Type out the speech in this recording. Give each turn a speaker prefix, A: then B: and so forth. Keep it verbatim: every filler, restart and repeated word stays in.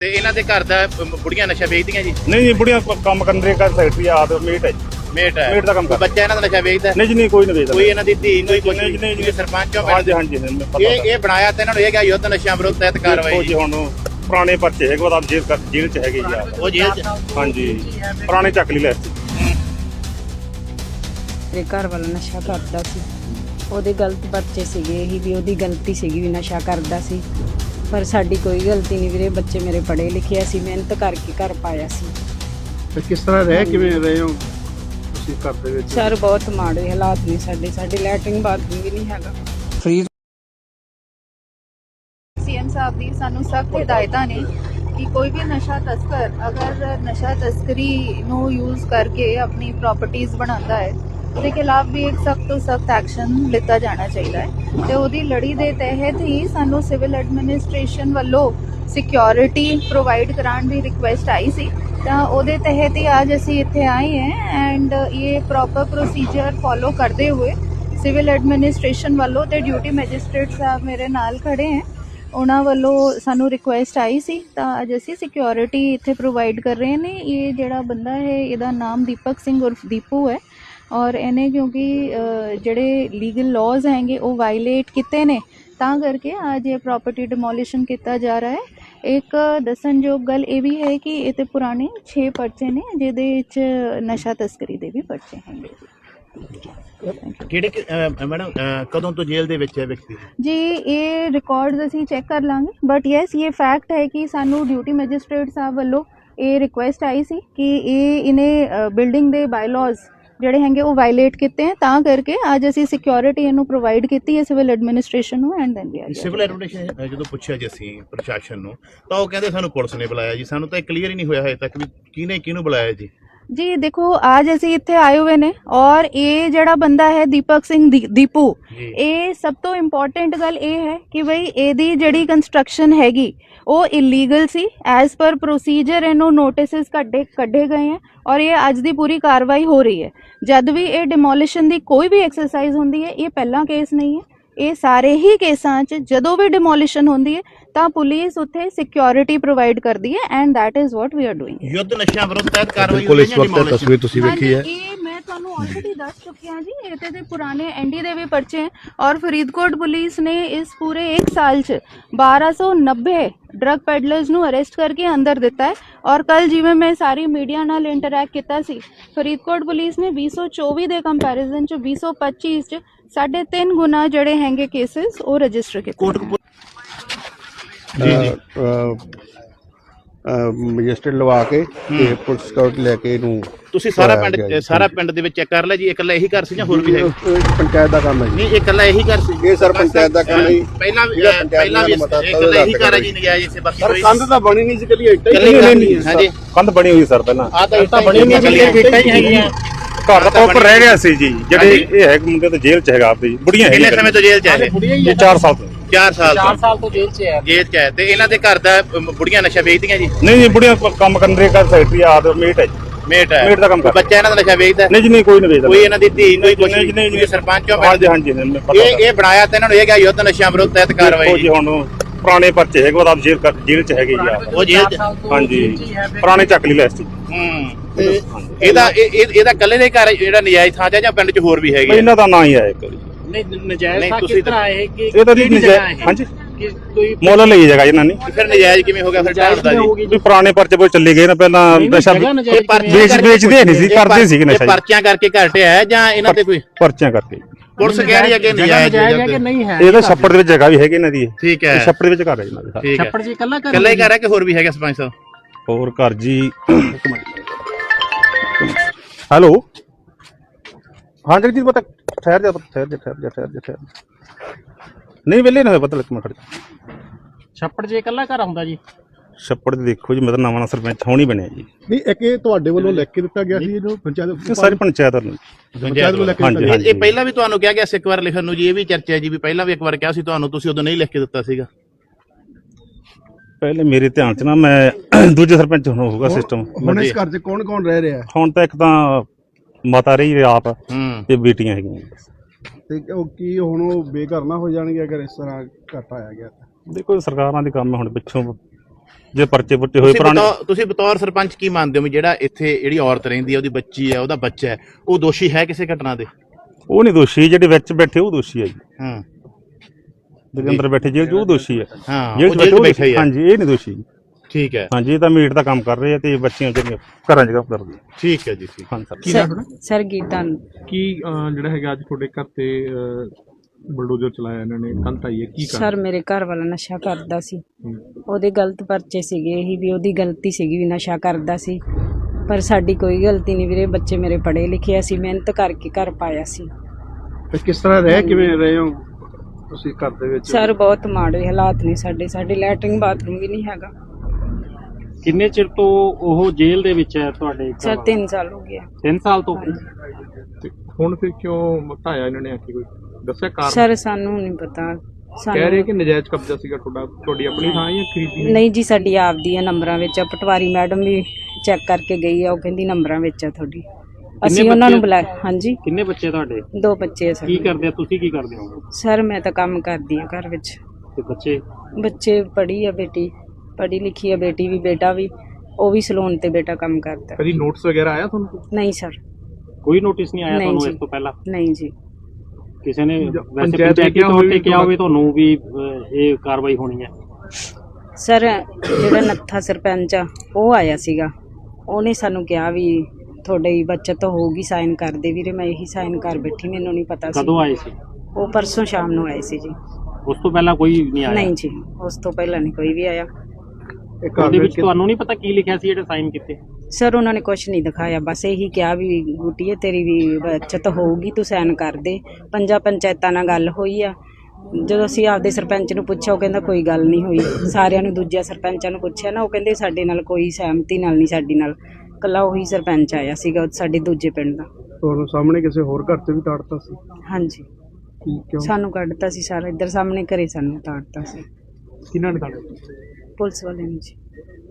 A: ਤੇ ਇਹਨਾਂ ਦੇ ਘਰ ਦਾ ਬੁੜੀਆਂ ਨਸ਼ਾ ਵੇਚਦੀਆਂ ਜੀ?
B: ਨਹੀਂ ਜੀ, ਬੁੜੀਆਂ ਕੰਮ ਕਰਨ ਦੇ ਘਰ ਫੈਕਟਰੀ ਆਦ ਮੇਟ ਹੈ ਜੀ।
A: ਮੇਟ ਹੈ,
B: ਮੇਟ ਦਾ ਕੰਮ ਕਰਦਾ।
A: ਬੱਚਾ ਇਹਨਾਂ ਦਾ ਨਸ਼ਾ ਵੇਚਦਾ?
B: ਨਹੀਂ ਜੀ, ਨਹੀਂ ਕੋਈ ਨਹੀਂ ਵੇਚਦਾ।
A: ਕੋਈ ਇਹਨਾਂ ਦੀ ਧੀ ਕੋਈ ਕੁਝ
B: ਨਹੀਂ ਨਹੀਂ
A: ਨਹੀਂ? ਸਰਪੰਚ ਹੋ?
B: ਹਾਂਜੀ ਹਾਂਜੀ
A: ਇਹ ਇਹ ਬਣਾਇਆ ਤੇ ਇਹਨਾਂ ਨੂੰ ਇਹ ਗਿਆ ਯੁੱਧ ਨਸ਼ਾ ਵਿਰੁੱਧ ਤਹਿਤ ਕਾਰਵਾਈ
B: ਜੀ। ਹੁਣ ਪੁਰਾਣੇ ਪਰਚੇ ਹੈਗੇ ਉਹਦਾ ਜੇਲ੍ਹ ਜੇਲ੍ਹ ਚ ਹੈਗੇ ਜੀ ਆਪ।
A: ਉਹ ਜੇਲ੍ਹ ਚ?
B: ਹਾਂਜੀ, ਪੁਰਾਣੇ ਚੱਕ ਲਈ ਲੈ।
C: ਮੇਰੇ ਘਰ ਵਾਲਾ ਨਸ਼ਾ ਕਰਦਾ ਸੀ, ਉਹਦੇ ਗਲਤ ਬੱਚੇ ਸੀਗੇ, ਇਹੀ ਵੀ ਉਹਦੀ ਗਲਤੀ ਸੀਗੀ ਵੀ ਨਸ਼ਾ ਕਰਦਾ ਸੀ, ਪਰ ਸਾਡੀ ਕੋਈ ਗਲਤੀ ਨਹੀਂ ਵੀਰੇ। ਬੱਚੇ ਮੇਰੇ ਪੜ੍ਹੇ ਲਿਖੇ ਸੀ, ਮਿਹਨਤ ਕਰਕੇ ਘਰ ਪਾਇਆ ਸੀ।
D: ਤੇ ਕਿਸ ਤਰ੍ਹਾਂ ਰਹਿ ਕਿਵੇਂ ਰਹੇ ਹੋ ਤੁਸੀਂ ਘਰ ਦੇ ਵਿੱਚ?
C: ਸਰ ਬਹੁਤ ਮਾੜੇ ਹਾਲਾਤ ਨੇ ਸਾਡੇ, ਸਾਡੇ ਲੈਟਰਿੰਗ ਬਾਥਰੂਮ ਵੀ ਨਹੀਂ ਹੈਗਾ। ਫ੍ਰੀ
E: ਸੀਐਮ ਸਾਹਿਬ ਦੀ ਸਾਨੂੰ ਸਖਤ ਹਦਾਇਤਾਂ ਨੇ ਕਿ ਕੋਈ ਵੀ ਨਸ਼ਾ ਤਸਕਰ ਅਗਰ ਨਸ਼ਾ ਤਸਕਰੀ ਨੂੰ ਯੂਜ਼ ਕਰਕੇ ਆਪਣੀ ਪ੍ਰਾਪਰਟੀਆਂ ਬਣਾਉਂਦਾ ਹੈ ਉਹਦੇ ਖਿਲਾਫ ਵੀ ਇੱਕ ਸਖਤ ਤੋਂ ਸਖਤ ਐਕਸ਼ਨ ਲਿੱਤਾ ਜਾਣਾ ਚਾਹੀਦਾ ਹੈ। ਤੇ ਉਹਦੀ ਲੜੀ ਦੇ ਤਹਿਤ ਹੀ ਸਾਨੂੰ ਸਿਵਲ ਐਡਮਿਨਿਸਟ੍ਰੇਸ਼ਨ ਵੱਲੋਂ ਸਿਕਿਉਰਿਟੀ ਪ੍ਰੋਵਾਈਡ ਕਰਾਉਣ ਦੀ ਰਿਕੁਐਸਟ ਆਈ ਸੀ, ਤਾਂ ਉਹਦੇ ਤਹਿਤ ਹੀ ਅੱਜ ਅਸੀਂ ਇੱਥੇ ਆਏ ਹਾਂ। ਐਂਡ ਇਹ ਪ੍ਰੋਪਰ ਪ੍ਰੋਸੀਜਰ ਫੋਲੋ ਕਰਦੇ ਹੋਏ ਸਿਵਲ ਐਡਮਿਨਿਸਟ੍ਰੇਸ਼ਨ ਵੱਲੋਂ ਤੇ ਡਿਊਟੀ ਮੈਜਿਸਟ੍ਰੇਟ ਸਾਹਿਬ ਮੇਰੇ ਨਾਲ ਖੜੇ ਹੈ, ਉਹਨਾਂ ਵੱਲੋਂ ਸਾਨੂੰ ਰਿਕੁਐਸਟ ਆਈ ਸੀ, ਤਾਂ ਅੱਜ ਅਸੀਂ ਸਿਕਿਉਰਿਟੀ ਇੱਥੇ ਪ੍ਰੋਵਾਈਡ ਕਰ ਰਹੇ ਨੇ। ਇਹ ਜਿਹੜਾ ਬੰਦਾ ਹੈ ਇਹਦਾ ਨਾਮ ਦੀਪਕ ਸਿੰਘ ਉਰਫ ਦੀਪੂ ਹੈ, ਔਰ ਇਹਨੇ ਕਿਉਂਕਿ ਜਿਹੜੇ ਲੀਗਲ ਲਾਜ਼ ਹੈਗੇ ਉਹ ਵਾਇਲੇਟ ਕੀਤੇ ਨੇ, ਤਾਂ ਕਰਕੇ ਅੱਜ ਇਹ ਪ੍ਰਾਪਰਟੀ ਡਿਮੋਲੀਸ਼ਨ ਕੀਤਾ ਜਾ ਰਿਹਾ ਹੈ। ਇੱਕ ਦੱਸਣਯੋਗ ਗੱਲ ਇਹ ਵੀ ਹੈ ਕਿ ਇਹ ਤੇ ਪੁਰਾਣੇ ਛੇ ਪਰਚੇ ਨੇ ਜਿਹਦੇ ਵਿੱਚ ਨਸ਼ਾ ਤਸਕਰੀ ਦੇ ਵੀ ਪਰਚੇ ਹੈਗੇ।
A: ਕਿਹੜੇ ਮੈਡਮ ਕਦੋਂ ਤੋਂ ਜੇਲ੍ਹ ਦੇ ਵਿੱਚ ਹੈ ਵਿਅਕਤੀ?
E: ਜੀ ਇਹ ਰਿਕਾਰਡਸ ਅਸੀਂ ਚੈੱਕ ਕਰ ਲਾਂਗੇ, ਬਟ ਯੈਸ ਇਹ ਫੈਕਟ ਹੈ ਕਿ ਸਾਨੂੰ ਡਿਊਟੀ ਮੈਜਿਸਟ੍ਰੇਟ ਸਾਹਿਬ ਵੱਲੋਂ ਇਹ ਰਿਕੁਐਸਟ ਆਈ ਸੀ ਕਿ ਇਹ ਇਹਨੇ ਬਿਲਡਿੰਗ ਦੇ ਬਾਇਲਾਜ਼ ਜਿਹੜੇ ਹੈਗੇ ਉਹ ਵਾਇਲੇਟ ਕੀਤੇ ਹੈ, ਤਾਂ ਕਰਕੇ ਅੱਜ ਅਸੀਂ ਸਿਕਿਉਰਿਟੀ ਇਹਨੂੰ ਪ੍ਰੋਵਾਈਡ ਕੀਤੀ ਹੈ ਸਿਵਲ ਐਡਮਿਨਿਸਟ੍ਰੇਸ਼ਨ ਨੂੰ। ਐਂਡ ਦੈਨ ਵੀ
A: ਸਿਵਲ ਐਡਮਿਨਿਸਟ੍ਰੇਸ਼ਨ ਜਦੋਂ ਪੁੱਛਿਆ ਜੀ ਅਸੀਂ ਪ੍ਰਸ਼ਾਸਨ ਨੂੰ, ਤਾਂ ਉਹ ਕਹਿੰਦੇ ਸਾਨੂੰ ਪੁਲਿਸ ਨੇ ਬੁਲਾਇਆ ਜੀ। ਸਾਨੂੰ ਤਾਂ ਇਹ ਕਲੀਅਰ ਹੀ ਨਹੀਂ ਹੋਇਆ ਹਜੇ ਤੱਕ ਵੀ ਕਿਹਨੇ ਕਿਹਨੂੰ ਬੁਲਾਇਆ ਜੀ।
E: ਜੀ ਦੇਖੋ ਅੱਜ ਅਸੀਂ ਇੱਥੇ ਆਏ ਹੋਏ ਨੇ, ਔਰ ਇਹ ਜਿਹੜਾ ਬੰਦਾ ਹੈ ਦੀਪਕ ਸਿੰਘ ਦੀਪੂ, ਇਹ ਸਭ ਤੋਂ ਇੰਪੋਰਟੈਂਟ ਗੱਲ ਇਹ ਹੈ ਕਿ ਬਈ ਇਹਦੀ ਜਿਹੜੀ ਕੰਸਟਰਕਸ਼ਨ ਹੈਗੀ ਉਹ ਇਲੀਗਲ ਸੀ। ਐਜ਼ ਪਰ ਪ੍ਰੋਸੀਜਰ ਇਹਨੂੰ ਨੋਟਿਸਿਸ ਕੱਢੇ ਕੱਢੇ ਗਏ ਹੈ, ਔਰ ਇਹ ਅੱਜ ਦੀ ਪੂਰੀ ਕਾਰਵਾਈ ਹੋ ਰਹੀ ਹੈ। ਜਦ ਵੀ ਇਹ ਡਿਮੋਲੀਸ਼ਨ ਦੀ ਕੋਈ ਵੀ ਐਕਸਰਸਾਈਜ਼ ਹੁੰਦੀ ਹੈ, ਇਹ ਪਹਿਲਾ ਕੇਸ ਨਹੀਂ ਹੈ, ਇਹ ਸਾਰੇ ਹੀ ਕੇਸਾਂ 'ਚ ਜਦੋਂ ਵੀ ਡਿਮੋਲੀਸ਼ਨ ਹੁੰਦੀ ਹੈ ਤਾਂ ਪੁਲਿਸ ਉੱਥੇ ਸਿਕਿਉਰਿਟੀ ਪ੍ਰੋਵਾਈਡ ਕਰਦੀ ਹੈ, and that is what we are doing.
A: ਯੁੱਧ ਨਸ਼ਾ ਵਿਰੁੱਧ ਤਹਿਤ ਕਾਰਵਾਈ
D: ਹੋਈ ਹੈ। ਇਸ ਵਕਤ ਤਸਵੀਰ ਤੁਸੀਂ ਵੇਖੀ ਹੈ।
E: ਇਹ ਮੈਂ ਤੁਹਾਨੂੰ ਆਲਰੇਡੀ ਦੱਸ ਚੁੱਕੀ ਹਾਂ ਜੀ, ਇਹਦੇ ਦੇ ਪੁਰਾਣੇ ਐਨਡੀ ਦੇ ਵੀ ਪਰਚੇ हैं, और फरीदकोट पुलिस ने इस पूरे एक साल च बारह सौ नब्बे ड्रग पैडलर्स ਨੂੰ ਅਰੈਸਟ ਕਰਕੇ ਅੰਦਰ ਦਿੱਤਾ ਹੈ। ਔਰ ਕੱਲ ਜਿਵੇਂ ਮੈਂ ਸਾਰੀ ਮੀਡੀਆ ਨਾਲ ਇੰਟਰੈਕਟ ਕੀਤਾ ਸੀ, ਫਰੀਦਕੋਟ ਪੁਲਿਸ ਨੇ ਵੀਹ ਸੌ ਚੌਵੀ ਦੇ ਕੰਪੈਰੀਜ਼ਨ ਚ ਵੀਹ ਸੌ ਪੱਚੀ ਚ ਸਾਢੇ ਤਿੰਨ ਗੁਣਾ ਜਿਹੜੇ ਹੈਗੇ ਕੇਸਿਸ ਉਹ ਰਜਿਸਟਰ ਕੀਤੇ।
D: ਮੈਜਿਸਟਰੇਟ ਲਵਾ ਕੇ ਤੇ ਪੁਲਿਸ ਸਿਕਿਉਰਿਟੀ ਲੈ ਕੇ ਇਹਨੂੰ
A: ਤੁਸੀਂ ਸਾਰਾ ਪਿੰਡ ਸਾਰਾ ਪਿੰਡ ਦੇ ਵਿੱਚ ਚੈੱਕ ਕਰ ਲਿਆ ਜੀ? ਇਕੱਲਾ ਇਹੀ ਘਰ ਸੀ ਜਾਂ ਹੋਰ ਵੀ ਹੈ?
D: ਪੰਚਾਇਤ ਦਾ ਕੰਮ ਹੈ ਜੀ।
A: ਨਹੀਂ, ਇਹ ਇਕੱਲਾ ਇਹੀ ਘਰ ਸੀ?
D: ਇਹ ਸਰ ਪੰਚਾਇਤ ਦਾ ਕੰਮ ਹੈ।
A: ਪਹਿਲਾਂ ਪਹਿਲਾਂ ਵੀ ਇਕੱਲਾ ਇਹੀ ਘਰ ਹੈ ਜੀ ਨਜਾਇਜ਼ ਇਸੇ ਬਾਕੀ ਕੋਈ?
D: ਕੰਧ ਤਾਂ ਬਣੀ ਨਹੀਂ ਸੀ, ਕੱਲੀ ਇੱਟਾਂ
A: ਹੀ। ਹਾਂਜੀ,
B: ਕੰਧ ਬਣੀ ਹੋਈ ਸਰ ਪਹਿਲਾਂ।
A: ਆ ਤਾਂ ਇੱਟਾਂ ਬਣੀ ਹੋਈਆਂ, ਕੱਲੀਆਂ ਇੱਟਾਂ ਹੀ ਹੈਗੀਆਂ।
B: ਘਰ ਦਾ ਉੱਪਰ ਰਹਿ ਗਿਆ ਸੀ ਜੀ। ਜਿਹੜੇ ਇਹ ਹੈ ਮੁੰਡੇ ਤਾਂ ਜੇਲ੍ਹ ਚ ਹੈਗਾ ਆਪਦੀ ਬੁੜੀਆਂ ਹੈਗੀਆਂ।
A: ਕਿੰਨੇ ਸਮੇਂ ਤੋਂ ਜੇਲ੍ਹ ਚ ਹੈ?
B: ਇਹ ਚਾਰ ਸਾਲ ਤੋਂ।
A: ਚਾਰ ਸਾਲ
F: ਚਾਰ ਸਾਲ ਤੋਂ ਜੇਲ੍ਹ 'ਚ ਹੈ।
A: ਜੇਲ੍ਹ ਚ ਹੈ। ਤੇ ਇਹਨਾਂ ਦੇ ਘਰ ਦਾ ਬੁੜੀਆਂ ਨਸ਼ਾ ਵੇਚਦੀਆਂ ਜੀ?
B: ਨਹੀਂ ਜੀ, ਬੁੜੀਆਂ ਕੰਮ ਕਰਨ ਦੇ ਘਰ ਫੈਕਟਰੀ ਆਦ ਮੇਟ ਹੈ ਜੀ।
A: ਮੇਟ ਹੈ,
B: ਮੇਟ ਦਾ ਕੰਮ ਕਰਦਾ।
A: ਬੱਚਾ ਇਹਨਾਂ ਦਾ ਨਸ਼ਾ ਵੇਚਦਾ?
B: ਨਹੀਂ ਜੀ, ਨਹੀਂ ਕੋਈ ਨਹੀਂ ਵੇਚਦਾ।
A: ਕੋਈ ਇਹਨਾਂ ਦੀ ਧੀ ਕੋਈ ਕੁਝ
B: ਨਹੀਂ ਨਹੀਂ
A: ਨਹੀਂ? ਸਰਪੰਚ ਹੋ?
B: ਹਾਂਜੀ ਹਾਂਜੀ
A: ਇਹ ਇਹ ਬਣਾਇਆ ਤੇ ਇਹਨਾਂ ਨੂੰ ਇਹ ਗਿਆ ਯੁੱਧ ਨਸ਼ਾ ਵਿਰੁੱਧ ਤਹਿਤ ਕਾਰਵਾਈ
B: ਜੀ। ਹੁਣ ਪੁਰਾਣੇ ਪਰਚੇ ਹੈਗੇ ਉਹਦਾ ਜੇਲ੍ਹ ਜੇਲ੍ਹ ਚ ਹੈਗੇ ਜੀ ਆਪ।
A: ਉਹ ਜੇਲ੍ਹ ਚ?
B: ਹਾਂਜੀ, ਪੁਰਾਣੇ ਚੱਕ ਲਈ ਲੈ ਸੀ।
A: ਹੂੰ, ਇਹਦਾ ਇਹਦਾ ਕੱਲੇ ਦੇ ਘਰ ਜਿਹੜਾ ਨਜਾਇਜ਼ ਥਾਂ ਜਾਂ ਪਿੰਡ ਚ ਹੋਰ ਵੀ ਹੈਗੇ?
B: ਇਹਨਾਂ ਦਾ ਨਾਂ ਹੀ ਹੈ ਇੱਕ।
F: ਨਹੀਂ ਨਜਾਇਜ਼ ਥਾਂ ਕਿਸ ਤਰ੍ਹਾਂ ਹੈ ਕਿ
B: ਇਹ ਤਾਂ ਨਜਾਇਜ਼, ਹਾਂਜੀ
F: ਕੋਈ
B: ਮੁੱਲ ਲਈ ਜਗ੍ਹਾ ਇਹਨਾਂ ਨੇ।
A: ਫਿਰ ਨਜਾਇਜ਼ ਕਿਵੇਂ ਹੋ ਗਿਆ? ਫਿਰ ਢਾਲਦਾ ਜੀ
B: ਵੀ ਪੁਰਾਣੇ ਪਰਚੇ ਬਹੁਤ ਚੱਲੇ ਗਏ ਨਾ, ਪਹਿਲਾਂ ਨਸ਼ਾ ਵੇਚ ਵੇਚਦੇ ਨਹੀਂ ਸੀ, ਕਰਦੇ ਸੀ ਨਸ਼ਾ।
A: ਪਰਚੀਆਂ ਕਰਕੇ ਘਟਿਆ ਹੈ ਜਾਂ ਇਹਨਾਂ ਤੇ ਕੋਈ
B: ਪਰਚੀਆਂ ਕਰਕੇ?
A: ਪੁਲਿਸ ਕਹਿ ਰਹੀ ਹੈ ਕਿ ਨਜਾਇਜ਼
F: ਹੈ ਕਿ ਨਹੀਂ ਹੈ?
B: ਇਹ ਤਾਂ ਛੱਪੜ ਦੇ ਵਿੱਚ ਜਗ੍ਹਾ ਵੀ ਹੈਗੀ ਇਹਨਾਂ ਦੀ।
A: ਠੀਕ ਹੈ,
B: ਛੱਪੜ ਦੇ ਵਿੱਚ ਘਰ ਹੈ ਇਹਨਾਂ ਦੇ।
F: ਛੱਪੜ ਜੀ ਇਕੱਲਾ ਘਰ
A: ਇਕੱਲਾ ਹੀ ਘਰ ਹੈ ਕਿ ਹੋਰ ਵੀ ਹੈਗਾ ਸਰਪੰਚ ਸਾਹਿਬ?
B: ਹੋਰ ਘਰ ਜੀ। ਹੈਲੋ, ਹਾਂ ਜਗਜੀਤ ਪਤਾ ਠਹਿਰ ਜਾ ਠਹਿਰ ਜਾ ਠਹਿਰ ਜਾ ਠਹਿਰ ਜਾ ਠਹਿਰ ਨਹੀਂ ਵੇਲੇ ਨਾ ਹੋਇਆ ਪਤਾ ਲੱਗ ਮੈਂ ਖੜ
F: ਛੱਪੜ ਜੀ ਇਕੱਲਾ ਘਰ ਆਉਂਦਾ ਜੀ?
B: ਛੱਪੜ ਦੇ ਦੇਖੋ ਜੀ, ਮੈਂ ਤਾਂ ਨਵਾਂ ਸਰਪੰਚ ਹੋਣੀ ਬਣਿਆ ਜੀ।
D: ਨਹੀਂ, ਇੱਕ ਇਹ ਤੁਹਾਡੇ ਵੱਲੋਂ ਲਿਖ ਕੇ ਦਿੱਤਾ ਗਿਆ ਸੀ ਇਹਨੂੰ ਪੰਚਾਇਤ
B: ਸਾਰੀ ਪੰਚਾਇਤ ਨੂੰ।
D: ਪੰਚਾਇਤ ਨੂੰ ਲਿਖ ਕੇ
B: ਹਾਂਜੀ,
D: ਦਿੱਤਾ
A: ਇਹ ਪਹਿਲਾਂ ਵੀ ਤੁਹਾਨੂੰ ਕਿਹਾ ਗਿਆ ਸੀ ਇੱਕ ਵਾਰ ਲਿਖਣ ਨੂੰ ਜੀ? ਇਹ ਵੀ ਚਰਚਾ ਹੈ ਜੀ ਵੀ ਪਹਿਲਾਂ ਵੀ ਇੱਕ ਵਾਰ ਕਿਹਾ ਸੀ ਤੁਹਾਨੂੰ, ਤੁਸੀਂ ਉਦੋਂ ਨਹੀਂ ਲਿਖ ਕੇ ਦਿੱਤਾ ਸੀਗਾ?
B: ਪਹਿਲੇ ਮੇਰੇ ਧਿਆਨ ਚ ਨਾ, ਮੈਂ ਦੂਜੇ ਸਰਪੰਚ ਹੁਣ ਹੋਊਗਾ ਸਿਸਟਮ।
D: ਹੁਣ ਇਸ ਘਰ 'ਚ ਕੌਣ ਕੌਣ ਰਹਿ ਰਿਹਾ?
B: ਹੁਣ ਤਾਂ ਇੱਕ ਤਾਂ ਮਾਤਾ ਰਹੀ ਆਪ
A: ਹੂੰ
B: ਤੇ ਬੇਟੀਆਂ ਹੈਗੀਆਂ।
D: ਤੇ ਉਹ ਕੀ ਹੁਣ ਉਹ ਬੇਘਰ ਨਾ ਹੋ ਜਾਣਗੇ ਅਗਰ ਇਸ ਤਰ੍ਹਾਂ ਘਟ ਆਇਆ ਗਿਆ ਤਾਂ?
B: ਦੇਖੋ ਸਰਕਾਰਾਂ ਦੇ ਕੰਮ ਹੁਣ ਪਿੱਛੋਂ ਜੇ ਪਰਚੇ ਪੁਰਚੇ ਹੋਏ
A: ਤੁਸੀਂ
B: ਪੁਰਾਣੇ
A: ਬਤੌਰ ਤੁਸੀਂ ਬਤੌਰ ਸਰਪੰਚ ਕੀ ਮੰਨਦੇ ਹੋ ਵੀ ਜਿਹੜਾ ਇੱਥੇ ਜਿਹੜੀ ਔਰਤ ਰਹਿੰਦੀ ਹੈ, ਉਹਦੀ ਬੱਚੀ ਹੈ, ਉਹਦਾ ਬੱਚਾ ਹੈ, ਉਹ ਦੋਸ਼ੀ ਹੈ ਕਿਸੇ ਘਟਨਾ ਦੇ?
B: ਉਹ ਨਹੀਂ ਦੋਸ਼ੀ, ਜਿਹੜੇ ਵਿੱਚ ਬੈਠੇ ਉਹ ਦੋਸ਼ੀ ਹੈ ਜੀ,
A: ਹਾਂ
B: ਜਿਹੜੇ ਅੰਦਰ ਬੈਠੇ ਜੇਲ੍ਹ 'ਚ ਉਹ ਦੋਸ਼ੀ ਹੈ।
A: ਹਾਂ,
B: ਜੇਲ੍ਹ
A: ਉਹ
B: 'ਚ
A: ਜੇਲ੍ਹ 'ਚ
B: ਬੈਠੇ
A: ਬੈਠਾ ਹੀ ਹੈ।
B: ਹਾਂਜੀ, ਇਹ ਨਹੀਂ ਦੋਸ਼ੀ ਜੀ।
A: ਠੀਕ ਹੈ,
B: ਹਾਂਜੀ, ਇਹ ਤਾਂ ਮੀਟ ਦਾ ਕੰਮ ਕਰ ਰਹੇ ਆ ਤੇ ਬੱਚੀਆਂ ਜਿਹੜੀਆਂ ਘਰਾਂ 'ਚ ਕੰਮ ਕਰਦੀਆਂ।
A: ਠੀਕ ਹੈ ਜੀ, ਠੀਕ।
B: ਹਾਂ ਸਰ।
D: ਕੀ ਨਾਮ ਤੁਹਾਡਾ?
C: ਸਰ ਗੀਤਾ
D: ਕੀ ਅਹ, ਜਿਹੜਾ ਹੈਗਾ ਅੱਜ ਤੁਹਾਡੇ ਘਰ ਤੇ ਬਲਡੋਜ਼ਰ ਚਲਾਇਆ ਇਹਨਾਂ ਨੇ, ਕੰਧ ਢਾਈ ਹੈ, ਕੀ ਕਰ
C: ਸਰ ਮੇਰੇ ਘਰ ਵਾਲਾ ਨਸ਼ਾ ਕਰਦਾ ਸੀ, ਉਹਦੇ ਗਲਤ ਪਰਚੇ ਸੀਗੇ ਇਹੀ ਵੀ ਉਹਦੀ ਗਲਤੀ ਸੀਗੀ ਵੀ ਨਸ਼ਾ ਕਰਦਾ ਸੀ, ਪਰ ਸਾਡੀ ਕੋਈ ਗਲਤੀ ਨਹੀਂ ਵੀਰੇ। ਬੱਚੇ ਮੇਰੇ ਪੜ੍ਹੇ ਲਿਖੇ, ਅਸੀਂ ਮਿਹਨਤ ਕਰਕੇ ਘਰ ਪਾਇਆ ਸੀ।
D: ਤੇ ਕਿਸ ਤਰ੍ਹਾਂ ਰਹਿ ਕਿਵੇਂ ਰਹੇ ਹੋ ਤੁਸੀਂ ਘਰ ਦੇ ਵਿੱਚ?
C: ਸਰ ਬਹੁਤ ਮਾੜੇ ਹਾਲਾਤ ਨੇ ਸਾਡੇ, ਸਾਡੇ ਲੈਟਰਿੰਗ ਬਾਥਰੂਮ ਵੀ ਨਹੀਂ ਹੈਗਾ।
F: ਕਿੰਨੇ ਚਿਰ ਤੋਂ ਉਹ ਜੇਲ੍ਹ ਦੇ ਵਿੱਚ ਹੈ ਤੁਹਾਡੇ?
C: ਸਰ ਤਿੰਨ ਸਾਲ ਹੋ ਗਿਆ।
F: ਤਿੰਨ ਸਾਲ ਤੋਂ?
D: ਤੇ ਹੁਣ ਫਿਰ ਕਿਉਂ ਢਾਇਆ ਇਹਨਾਂ ਨੇ, ਆਖੀ ਕੋਈ ਦੱਸਿਆ ਕਾਰਨ?
C: ਸਰ ਸਾਨੂੰ ਨਹੀਂ ਪਤਾ।
D: ਕਹਿ ਰਹੇ
C: ਸਾਨੂੰ
D: ਕਿ ਨਜਾਇਜ਼ ਕਬਜ਼ਾ ਸੀਗਾ ਤੁਹਾਡਾ, ਤੁਹਾਡੀ ਆਪਣੀ ਥਾਂ ਜਾਂ ਖਰੀਦੀ?
C: ਨਹੀਂ ਜੀ, ਸਾਡੀ ਆਪਦੀ ਹੈ, ਨੰਬਰਾਂ ਵਿੱਚ ਆ। ਪਟਵਾਰੀ ਮੈਡਮ ਵੀ ਚੈੱਕ ਕਰਕੇ ਗਈ ਆ, ਉਹ ਕਹਿੰਦੀ ਨੰਬਰਾਂ ਵਿੱਚ ਆ ਤੁਹਾਡੀ। ਅਸੀਂ ਉਹਨਾਂ ਨੂੰ
F: ਬੱਚੇ?
C: ਬੁਲਾਇਆ। ਹਾਂਜੀ,
F: ਕਿੰਨੇ ਬੱਚੇ ਤੁਹਾਡੇ?
C: ਦੋ ਬੱਚੇ ਆ ਸਰ।
F: ਕੀ ਕਰਦੇ ਆ ਤੁਸੀਂ, ਕੀ ਕਰਦੇ ਹੋ?
C: ਸਰ ਮੈਂ ਤਾਂ ਕੰਮ ਕਰਦੀ ਆ ਘਰ ਵਿੱਚ।
F: ਤੇ ਬੱਚੇ?
C: ਬੱਚੇ ਪੜ੍ਹੀ ਆ, ਬੇਟੀ ਪੜ੍ਹੀ ਲਿਖੀ ਆ, ਬੇਟੀ ਵੀ ਬੇਟਾ ਵੀ, ਉਹ ਵੀ ਸਲੂਨ ਤੇ ਬੇਟਾ ਕੰਮ ਕਰਦਾ।
D: ਕਦੀ ਨੋਟਿਸ ਵਗੈਰਾ ਆਇਆ ਤੁਹਾਨੂੰ?
C: ਨਹੀਂ ਸਰ,
F: ਕੋਈ ਨੋਟਿਸ ਨਹੀਂ ਆਇਆ
C: ਨਹੀਂ
F: ਤੁਹਾਨੂੰ
C: ਜੀ।
F: ਇਸ ਤੋਂ ਪਹਿਲਾਂ?
C: ਨਹੀਂ ਜੀ।
F: ਕਿਸੇ ਨੇ
D: ਜ-
F: ਵੈਸੇ
D: ਪੰਚਾਇਤ
F: ਪੰਚਾਇਤੀ
D: ਕਿਹਾ
F: ਤੌਰ
D: ਹੋਵੇ
F: ਤੇ
D: ਵੀ
F: ਕਿਹਾ ਹੋਵੇ ਤੁਹਾਨੂੰ ਵੀ ਅਹ, ਇਹ ਕਾਰਵਾਈ ਹੋਣੀ ਹੈ?
C: ਸਰ ਜਿਹੜਾ ਨੱਥਾ ਸਰਪੰਚ ਆ ਉਹ ਆਇਆ ਸੀਗਾ, ਉਹਨੇ ਸਾਨੂੰ ਕਿਹਾ ਵੀ ਤੁਹਾਡੀ ਬੱਚਤ ਹੋਊਗੀ, ਸਾਈਨ ਕਰ ਦੇ ਵੀਰੇ। ਮੈਂ ਇਹੀ ਸਾਈਨ ਕਰ ਬੈਠੀ, ਮੈਨੂੰ ਨਹੀਂ ਪਤਾ ਸੀ।
F: ਕਦੋਂ ਆਏ ਸੀ?
C: ਉਹ ਪਰਸੋਂ ਸ਼ਾਮ ਨੂੰ ਆਏ ਸੀ ਜੀ।
F: ਉਸ ਤੋਂ ਪਹਿਲਾਂ ਕੋਈ ਨਹੀਂ ਆਇਆ?
C: ਨਹੀਂ ਜੀ, ਉਸ ਤੋਂ ਪਹਿਲਾਂ ਨਹੀਂ ਕੋਈ ਵੀ ਆਇਆ।
D: ਇਹ ਘਰ
F: ਉਹਦੇ
D: ਦੇ
F: ਵਿੱਚ ਤੁਹਾਨੂੰ ਨਹੀਂ ਪਤਾ ਕੀ ਲਿਖਿਆ ਸੀ ਜਿਹੜੇ ਸਾਈਨ ਕੀਤੇ?
C: ਸਰ ਉਹਨਾਂ ਨੇ ਕੁਝ ਨਹੀਂ ਦਿਖਾਇਆ, ਬਸ ਇਹੀ ਕਿਹਾ ਵੀ ਗੁੱਟੀਏ ਤੇਰੀ ਵੀ ਬੱਚਤ ਹੋਊਗੀ, ਤੂੰ ਸਾਈਨ ਕਰ ਦੇ। ਪੰਜਾਂ ਪੰਚਾਇਤਾਂ ਨਾਲ ਗੱਲ ਹੋਈ ਆ। ਜਦੋਂ ਅਸੀਂ ਆਪਦੇ ਸਰਪੰਚ ਨੂੰ ਪੁੱਛਿਆ, ਉਹ ਕਹਿੰਦਾ ਕੋਈ ਗੱਲ ਨਹੀਂ ਹੋਈ। ਸਾਰਿਆਂ ਨੂੰ ਦੂਜਿਆਂ ਸਰਪੰਚਾਂ ਨੂੰ ਪੁੱਛਿਆ ਨਾ, ਉਹ ਕਹਿੰਦੇ ਸਾਡੇ ਨਾਲ ਕੋਈ ਸਹਿਮਤੀ ਨਾਲ ਨਹੀਂ, ਸਾਡੀ ਨਾਲ ਇਕੱਲਾ ਉਹੀ ਸਰਪੰਚ ਆਇਆ ਸੀਗਾ ਸਾਡੇ ਦੂਜੇ ਪਿੰਡ ਦਾ।
D: ਤੁਹਾਨੂੰ ਸਾਹਮਣੇ ਕਿਸੇ ਹੋਰ ਘਰ ਤੇ ਵੀ ਤਾੜਤਾ ਸੀ?
C: ਹਾਂਜੀ,
D: ਕੀ ਕਿਉਂ?
C: ਸਾਨੂੰ ਕੱਢਤਾ ਸੀ ਸਾਰਾ, ਇੱਧਰ ਸਾਹਮਣੇ ਘਰੇ ਸਾਨੂੰ ਤਾੜਤਾ ਸੀ
D: ਕਿਹਨਾਂ ਨੇ ਤਾੜਿਆ?
C: ਪੁਲਿਸ ਵਾਲੇ ਨੇ ਜੀ।